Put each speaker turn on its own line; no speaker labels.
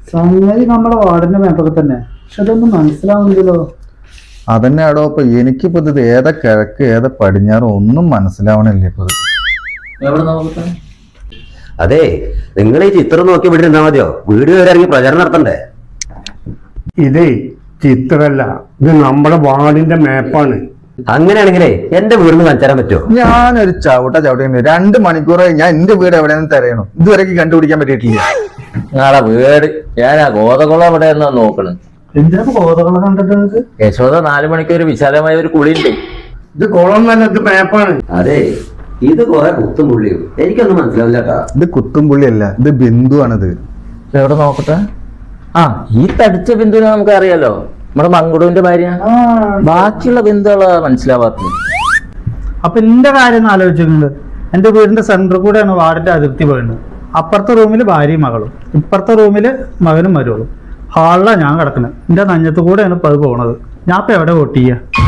സംഗതി നമ്മുടെ വാർഡിന്റെ മാപ്പൊക്കെ തന്നെ, പക്ഷെ അതൊന്നും മനസ്സിലാവുന്നില്ലല്ലോ.
അതന്നെ ആടോ. ഇപ്പൊ എനിക്കിപ്പോ ഇത് ഏതാ കിഴക്ക് ഏതാ പടിഞ്ഞാറ് ഒന്നും മനസ്സിലാവണില്ല ഇപ്പൊ.
അതെ, നിങ്ങൾ ഈ ചിത്രം നോക്കി ഇവിടെ ഇരുന്നാ മതിയോ? വീഡിയോ വരെ ഇറങ്ങി പ്രചരണം നടത്തണ്ടേ?
ഇതേ ചിത്രമല്ല, ഇത് നമ്മുടെ വാർഡിന്റെ മാപ്പാണ്.
അങ്ങനെയാണെങ്കിലേ എന്റെ വീടിന് കാണിച്ചാൻ പറ്റുമോ?
ഞാനൊരു ചവിട്ടി 2 മണിക്കൂറായി ഞാൻ എന്റെ വീട് എവിടെയാണെന്ന് തിരയണു, ഇതുവരെയ്ക്ക് കണ്ടുപിടിക്കാൻ പറ്റിയിട്ടില്ല.
ഞങ്ങളെ വീട് ഞാൻ ഗോതകുളം എവിടെ എന്നാ നോക്കണ്.
എന്തിനാ ഗോതകളെ കണ്ടിട്ട്?
യശോദ 4 മണിക്ക് ഒരു വിശാലമായ ഒരു കുളിയുണ്ട്.
ഇത് കുളം തന്നെ, ഇത് മാപ്പാണ്.
അതെ, ഇത് കുറെ കുത്തും പുള്ളിയും എനിക്കൊന്നും മനസ്സിലാവില്ല കേട്ടാ.
ഇത് കുത്തുംപുള്ളിയല്ല, ഇത് ബിന്ദുവാണിത്.
എവിടെ നോക്കട്ടെ. ആ, ഈ തടിച്ച ബിന്ദുവിനെ നമുക്ക് അറിയാലോ, നമ്മുടെ മങ്കുടുവിന്റെ ഭാര്യ. ബാക്കിയുള്ള ബിന്ദുകള് മനസ്സിലാവാത്തത്.
അപ്പൊ എന്റെ കാര്യം ഒന്ന് ആലോചിച്ചിട്ടുണ്ട്. എന്റെ വീടിന്റെ സെന്ററിൽ കൂടെയാണ് വാർഡിന്റെ അതിർത്തി പോയത്. അപ്പുറത്തെ റൂമില് ഭാര്യയും മകളും, ഇപ്പുറത്തെ റൂമില് മകനും മരുവളും. ഹാളിലാണ് ഞാൻ കിടക്കുന്നത്. എന്റെ നഞ്ഞത്ത് കൂടെയാണ് ഇപ്പൊ അത് പോണത്. ഞാൻ ഇപ്പൊ എവിടെ വോട്ട് ചെയ്യാ?